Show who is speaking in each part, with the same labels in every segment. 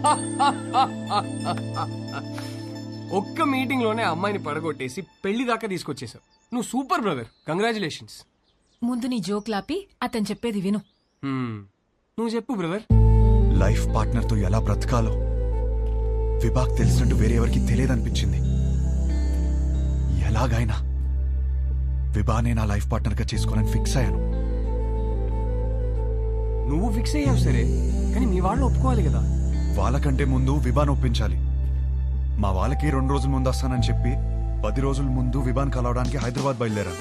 Speaker 1: ఒక్క మీటింగ్ లోనే అమ్మాయిని పడగొట్టేసి పెళ్లి దాకా తీసుకొచ్చేసావు. నువ్వు సూపర్ బ్రదర్, కంగ్రాచులేషన్స్.
Speaker 2: ముందు నీ జోక్లాపి అతను చెప్పేది విను.
Speaker 1: నువ్వు చెప్పు బ్రదర్.
Speaker 3: లైఫ్ పార్ట్నర్ తో ఎలా బ్రతకాలో విభాగ్ తెలిసినట్టు వేరే ఎవరికి తెలియదనిపించింది. ఎలాగైనా విభానే నా లైఫ్ పార్ట్నర్ గా చేసుకోవాలని ఫిక్స్ అయ్యాను.
Speaker 1: నువ్వు ఫిక్స్ అయ్యావు సరే, కానీ మీ వాళ్ళు ఒప్పుకోవాలి కదా.
Speaker 3: వాళ్ళకంటే ముందు విభాన్ ఒప్పించాలి. మా వాళ్ళకి 2 రోజుల ముందు వస్తానని చెప్పి 10 రోజుల ముందు విభాన్ కలవడానికి హైదరాబాద్ బయలుదేరాను.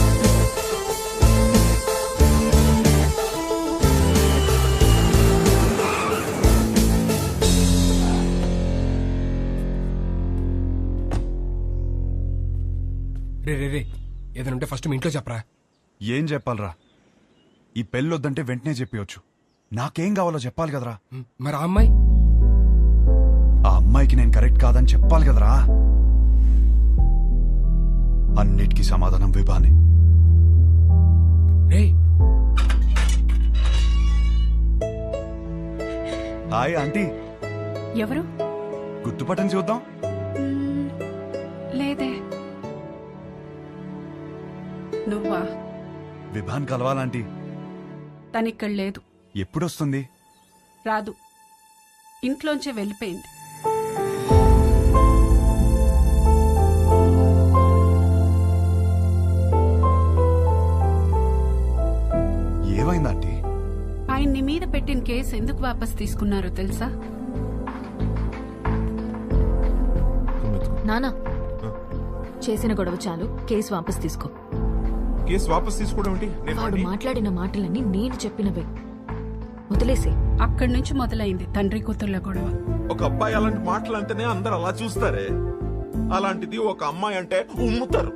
Speaker 1: రే రే రే, ఏదైనా ఉంటే ఫస్ట్ మీ ఇంట్లో చెప్పరా.
Speaker 3: ఏం చెప్పాలరా? ఈ పెళ్ళొద్దంటే వెంటనే చెప్పవచ్చు. నాకేం కావాలో చెప్పాలి కదరా.
Speaker 1: మరి ఆ అమ్మాయి?
Speaker 3: ఆ అమ్మాయికి నేను కరెక్ట్ కాదని చెప్పాలి కదరా. అన్నిటికీ సమాధానం విభానే.
Speaker 1: రే,
Speaker 3: హాయ్ ఆంటీ.
Speaker 2: ఎవరు?
Speaker 3: గుర్తుపట్టని చూద్దాం.
Speaker 2: లేదే. నువ్వా?
Speaker 3: విభాన్ కలవాలంటీ.
Speaker 2: తనిక్కడ లేదు.
Speaker 3: ఎప్పుడొస్తుంది?
Speaker 2: రాదు, ఇంట్లోంచే వెళ్ళిపోయింది.
Speaker 3: ఏమైందంటీ?
Speaker 2: ఆయన్ని మీద పెట్టిన కేసు ఎందుకు వాపస్ తీసుకున్నారో తెలుసా?
Speaker 4: నానా, చేసిన గొడవ చాలు, కేసు వాపస్ తీసుకో.
Speaker 5: కేసు వాపస్ తీసుకోవడం ఏంటి?
Speaker 4: వాడు మాట్లాడిన మాటలన్నీ నేను చెప్పినవే, వదిలేసే.
Speaker 2: అక్కడి నుంచి మొదలైంది తండ్రి కూతుర్ల గొడవ.
Speaker 5: ఒక అబ్బాయి అలాంటి మాటలు అంటేనే అందరు అలా చూస్తారే, అలాంటిది ఒక అమ్మాయి అంటే ఉమ్ముతారు.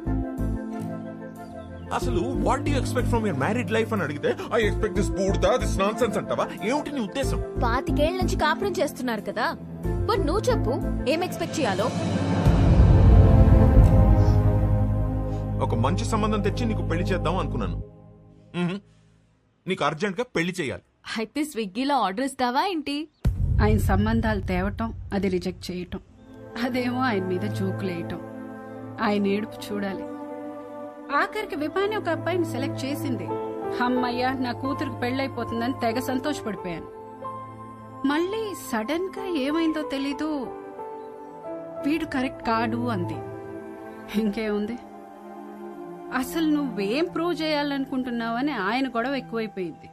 Speaker 5: అసలు what do you expect from your married life అని అడిగితే ఐ ఎక్స్పెక్ట్ దిస్ బూడ్దా, దిస్ నాన్సెన్స్ అంటావా? ఏమిటి నీ ఉద్దేశం?
Speaker 4: 25 ఏళ్ల నుంచి కాపురం చేస్తున్నారు కదా, మరి నువ్వు చెప్పు ఏం ఎక్స్పెక్ట్ చేయాలో.
Speaker 5: ఒక మంచి సంబంధం తెచ్చి నీకు పెళ్లి చేద్దాం అనుకున్నాను. నీకు అర్జెంట్ గా పెళ్లి చేయాలి.
Speaker 4: అయితే స్విగ్గీలో ఆర్డర్ ఇస్తావా ఏంటి?
Speaker 2: ఆయన సంబంధాలు తేవటం, అది రిజెక్ట్ చేయటం, అదేమో ఆయన మీద జోకులేయటం, ఆయన ఏడుపు చూడాలి. ఆఖరికి విభాని ఒక అబ్బాయిని సెలెక్ట్ చేసింది. అమ్మయ్య, నా కూతురికి పెళ్ళైపోతుందని తెగ సంతోషపడిపోయాను. మళ్ళీ సడన్ గా ఏమైందో తెలీదు, వీడు కరెక్ట్ కాడు అంది. ఇంకేముంది, అసలు నువ్వేం ప్రూవ్ చేయాలనుకుంటున్నావని ఆయన గొడవ ఎక్కువైపోయింది.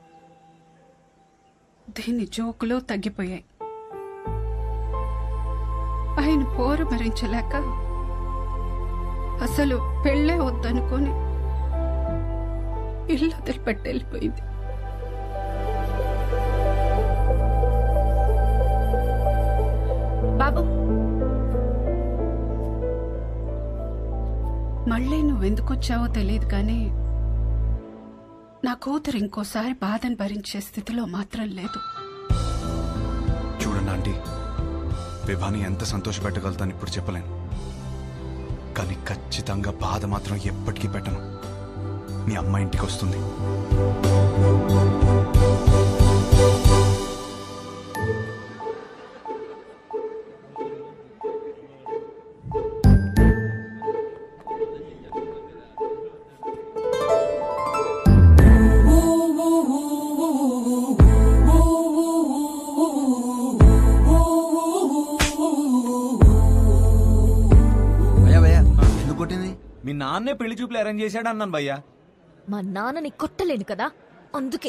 Speaker 2: దీని జోకులు తగ్గిపోయాయి. ఆయన పోరు భరించలేక అసలు పెళ్ళే వద్దనుకొని ఇల్లు వదిలిపెట్టి వెళ్ళిపోయింది. బాబు, మళ్ళీ నువ్వెందుకొచ్చావో తెలియదు కానీ నా కూతురు ఇంకోసారి బాధను భరించే స్థితిలో మాత్రం లేదు.
Speaker 3: చూడండి ఆంటీ, విభాని ఎంత సంతోషపెట్టగలుగుతాను ఇప్పుడు చెప్పలేను, కానీ ఖచ్చితంగా బాధ మాత్రం ఎప్పటికీ పెట్టను. మీ అమ్మ ఇంటికి వస్తుంది.
Speaker 6: మీ నాన్నే పెళ్లి చూపులు అరేంజ్ చేశాడు అన్నాను భయ్యా.
Speaker 4: మా నాన్నని కొట్టలేను కదా, అందుకే.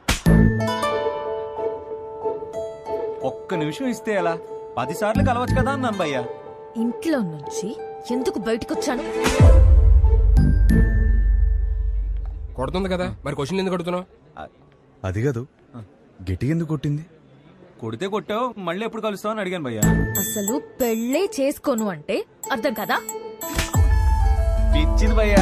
Speaker 6: ఒక్క నిమిషం ఇస్తే ఎలా? 10 సార్లు కలవచ్చు కదా అన్నాను భయ్యా.
Speaker 4: ఇంట్లో నుంచి ఎందుకు బయటకొచ్చాను?
Speaker 1: కొడుతుంది కదా, మరి క్వశ్చన్ ఎందుకు కొడుతున్నావు?
Speaker 3: అది కాదు, గిటి ఎందుకు కొట్టింది?
Speaker 6: కొడితే కొట్టావు, మళ్ళీ ఎప్పుడు కలుస్తావు అని అడిగాను భయ్యా.
Speaker 4: అసలు పెళ్ళే చేసుకోను అంటే అర్థం కదా?
Speaker 6: పిచ్చింది భయ్యా.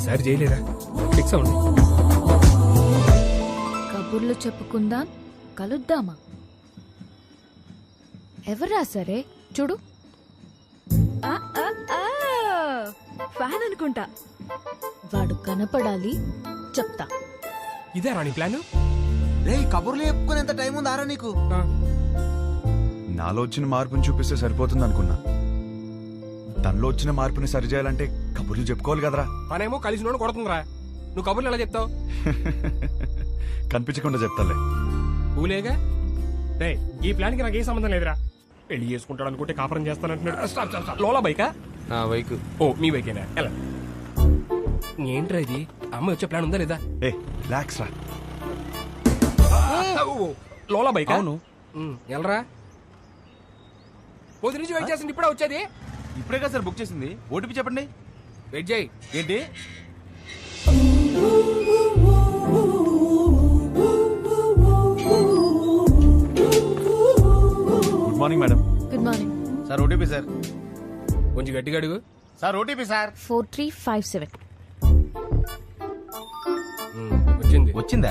Speaker 1: ఈసారి చేయలేరా ఫిక్స్ అవ్వండి.
Speaker 4: కబుర్లు చెప్పుకుందాం, కలుద్దామా? ఎవరా సరే చూడు.
Speaker 7: ఫ్యాన్ అనుకుంటా.
Speaker 4: వాడు కనపడాలి, చెప్తా.
Speaker 1: ఇదే రాణి ప్లాన్.
Speaker 8: రే కబుర్లు చెప్పుకునేంత టైం ఉందారా నీకు?
Speaker 3: నాలో వచ్చిన మార్పుని చూపిస్తే సరిపోతుంది అనుకున్నా. తనలో వచ్చిన మార్పుని సరిచేయాలంటే కబుర్లు చెప్పుకోవాలి కదరా.
Speaker 1: తనేమో కలిసి నోడు కొడుతుందిరా. నువ్వు కబుర్లు ఎలా చెప్తావు?
Speaker 3: కనిపించకుండా చెప్తాలే.
Speaker 1: ఊలేగా రే, ఈ ప్లాన్ కి నాకు ఏ సంబంధం లేదురా. పెళ్లి చేసుకుంటాడు అనుకుంటే కాపురం చేస్తానంటున్నాడు. Stop stop stop. లోలా బైకా?
Speaker 8: నా బైక్.
Speaker 1: ఓ మీ బైకేనా? ఎలా ఏంట్రా ఇది? అమ్మ వచ్చే ప్లాన్ ఉందా లేదా?
Speaker 3: ఏ రిలాక్స్ రా.
Speaker 1: ఓ, లోలా బైక్?
Speaker 6: అవును.
Speaker 1: ఎలరా పొద్దు నుంచి వెయిట్ చేస్తుంది, ఇప్పుడే వచ్చేది.
Speaker 6: ఇప్పుడే కదా సార్ బుక్ చేసింది. ఓటీపీ చెప్పండి.
Speaker 1: వెయిట్ చేయి.
Speaker 6: ఏంటి?
Speaker 3: Good morning madam.
Speaker 4: Good morning.
Speaker 6: Sir OTP sir.
Speaker 1: కొంచెం గట్టిగా అడుగు.
Speaker 6: Sir OTP sir.
Speaker 4: 4357.
Speaker 1: వచ్చింది.
Speaker 6: వచ్చిందా?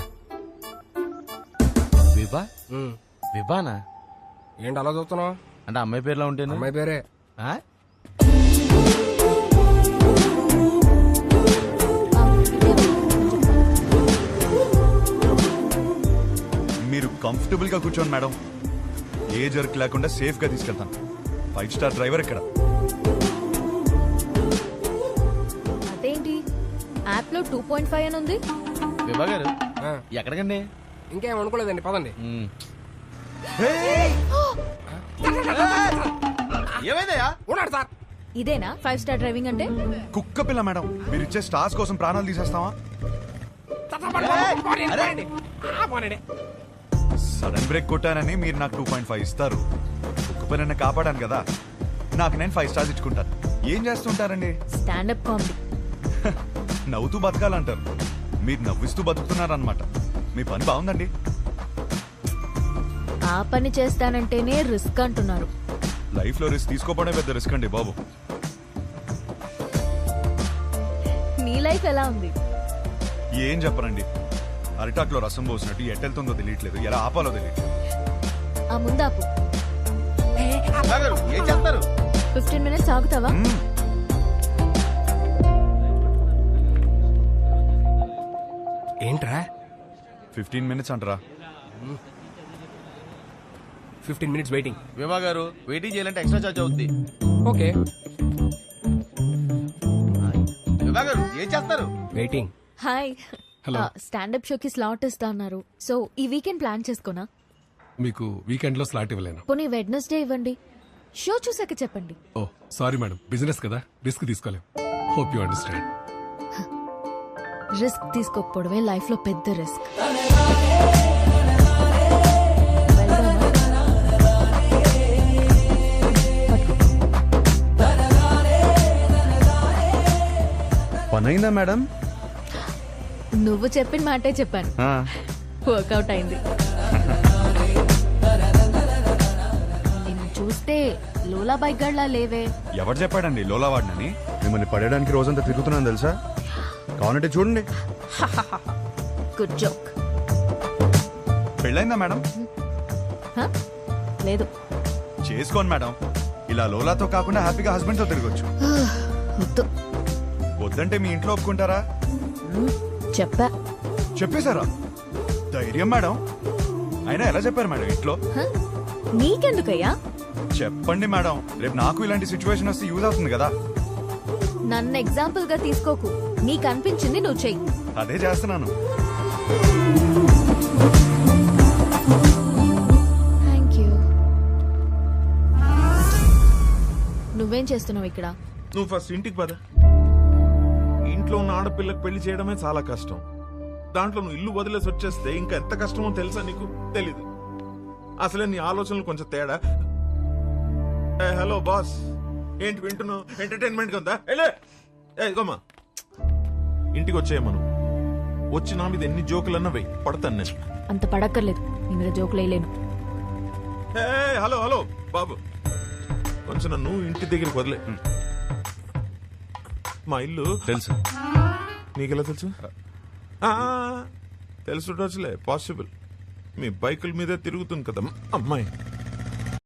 Speaker 6: విభా?
Speaker 1: ఉమ్.
Speaker 6: విభానా?
Speaker 1: ఏంటి అలా చూస్తున్నావు?
Speaker 6: అంటే అమ్మాయి పేరులో ఉంటేనా?
Speaker 1: అమ్మాయి పేరే.
Speaker 6: ఆ?
Speaker 3: మీరు కంఫర్టబుల్ గా కూర్చోండి మేడం. ఏ జర్క్ లేకుండా సేఫ్ గా తీసుకెళ్తాను. 5 స్టార్ డ్రైవర్ ఇక్కడ.
Speaker 4: అదేంటి యాప్ లో 2.5 అని ఉంది?
Speaker 6: విభా గారు
Speaker 1: ఆ,
Speaker 6: ఎక్కడికండి?
Speaker 1: ఇంకేం అనుకోలేదండి, పదండి.
Speaker 6: ఏమైందయ్యా?
Speaker 1: ఉన్నాడు సార్.
Speaker 4: ఇదేనా 5 స్టార్ డ్రైవింగ్ అంటే?
Speaker 3: కుక్క పిల్ల మేడం. మీరు ఇచ్చే స్టార్స్ కోసం ప్రాణాలు తీసేస్తావా? సడన్ బ్రేక్ కొట్టానని మీరు నాకు 2.5 ఇస్తారు. కుక్క పిల్లని కాపాడాను కదా, నాకు నేను 5 స్టార్స్ ఇచ్చుకుంటాను. ఏం చేస్తుంటారండి?
Speaker 4: Standup comedy.
Speaker 3: నవ్వుతూ బతకాలంటారు, మీరు నవ్విస్తూ బతుకుతున్నారన్నమాట. మీ పని బాగుందండి.
Speaker 4: ఆ పని చేస్తానంటేనే రిస్క్ అంటున్నారు.
Speaker 3: లైఫ్ లో రిస్క్ తీసుకోవడమే పెద్ద రిస్క్ అండి బాబు.
Speaker 4: నీ లైఫ్ ఎలా ఉంది?
Speaker 3: ఏం చెప్పరండి, అరిటాక్లో రసం పోసినట్టు ఎట్టెళ్తుందో తెలియట్లేదు, ఎలా ఆపాలో తెలియట్లేదు.
Speaker 4: ఆ ముందాపు.
Speaker 6: విభా గారు ఏం చేస్తారు?
Speaker 4: 15 minutes ఆగుతావా?
Speaker 3: మ్మ్.
Speaker 1: ఏంట్రా
Speaker 3: 15 minutes అంటారా?
Speaker 1: 15 minutes వెయిటింగ్.
Speaker 6: విభా గారు వెయిటింగ్ చేయాలంటే ఎక్స్ట్రా చార్జ్ అవుద్ది.
Speaker 1: ఓకే
Speaker 6: విభా గారు ఏం చేస్తారు?
Speaker 1: వెయిటింగ్.
Speaker 4: హాయ్.
Speaker 1: Hello.
Speaker 4: స్టాండప్ షోకి స్లాట్ ఇస్తా అన్నారు. సో ఈ వీకెండ్ ప్లాన్ చేసుకోనా?
Speaker 9: మీకు వీకెండ్ లో స్లాట్ ఇవ్వలేను.
Speaker 4: పోనీ వెడ్నెస్డే ఇవ్వండి. షో చూసాక చెప్పండి.
Speaker 9: ఓ సారీ మేడం, బిజినెస్ కదా, రిస్క్ తీసుకోలేం. Hope you understand.
Speaker 4: రిస్క్ తీసుకోకపోవడమే లైఫ్ లో పెద్ద రిస్క్.
Speaker 3: పనైందా మేడం?
Speaker 4: నువ్వు చెప్పిన మాటే చెప్పాను. వర్కౌట్ అయింది. నిన్ను చూస్తే లోలా బైక్ గడ్లా లేవే.
Speaker 3: ఎవరు చెప్పాడండి లోలా వాడినని?
Speaker 10: మిమ్మల్ని పడేయడానికి రోజంతా తిరుగుతున్నాను తెలుసా? కావాలంటే చూడండి.
Speaker 4: Good joke.
Speaker 3: పెళ్ళైందా మేడం?
Speaker 4: లేదు.
Speaker 3: చేసుకోండి మేడం. ఇలా లోలాతో కాకుండా హ్యాపీగా హస్బెండ్ తో తిరగొచ్చు.
Speaker 4: వద్దు.
Speaker 3: వద్దంటే మీ ఇంట్లో ఒప్పుకుంటారా?
Speaker 4: చెప్పా.
Speaker 3: చెప్పేశారా? ధైర్యం మేడం. అయినా ఎలా చెప్పారు మేడం ఇంట్లో?
Speaker 4: నీకెందుకయ్యా?
Speaker 3: చెప్పండి మేడం, రేపు నాకు ఇలాంటి సిచ్యువేషన్ వస్తే యూజ్ అవుతుంది కదా.
Speaker 4: నన్ను ఎగ్జాంపుల్ గా తీసుకోకు. నీకు అనిపించింది నువ్వు చెయ్యి.
Speaker 3: అదే చేస్తున్నాను.
Speaker 4: Thank you. నువ్వేం చేస్తున్నావు ఇక్కడ?
Speaker 5: నువ్వు ఫస్ట్ ఇంటికి పద. ఇంట్లో ఉన్న ఆడపిల్లకి పెళ్లి చేయడమే చాలా కష్టం. దాంట్లో నువ్వు ఇల్లు వదిలేసి వచ్చేస్తే ఇంకా ఎంత కష్టమో తెలుసా నీకు? తెలీదు. అసలే నీ ఆలోచనలు కొంచెం తేడా. హలో బాస్, ఏంటి వింటున్నావు? ఎంటర్టైన్మెంట్ గా ఉందా? ఇదిగోమ్మా, ఇంటికి వచ్చేయమ్మా. వచ్చి నా మీద ఎన్ని జోకులన్నా వెయ్యి, పడతాను నేను.
Speaker 4: అంత పడక్కర్లేదు, నీ మీద జోకులు వేయలేను.
Speaker 5: హలో హలో బాబు, కొంచెం నన్ను ఇంటి దగ్గరికి వదిలే. మా ఇల్లు
Speaker 3: తెలుసు.
Speaker 5: నీకెలా తెలుసు తెలుసుండొచ్చులే, పాసిబుల్. మీ బైకుల మీదే తిరుగుతుంది కదా అమ్మాయి.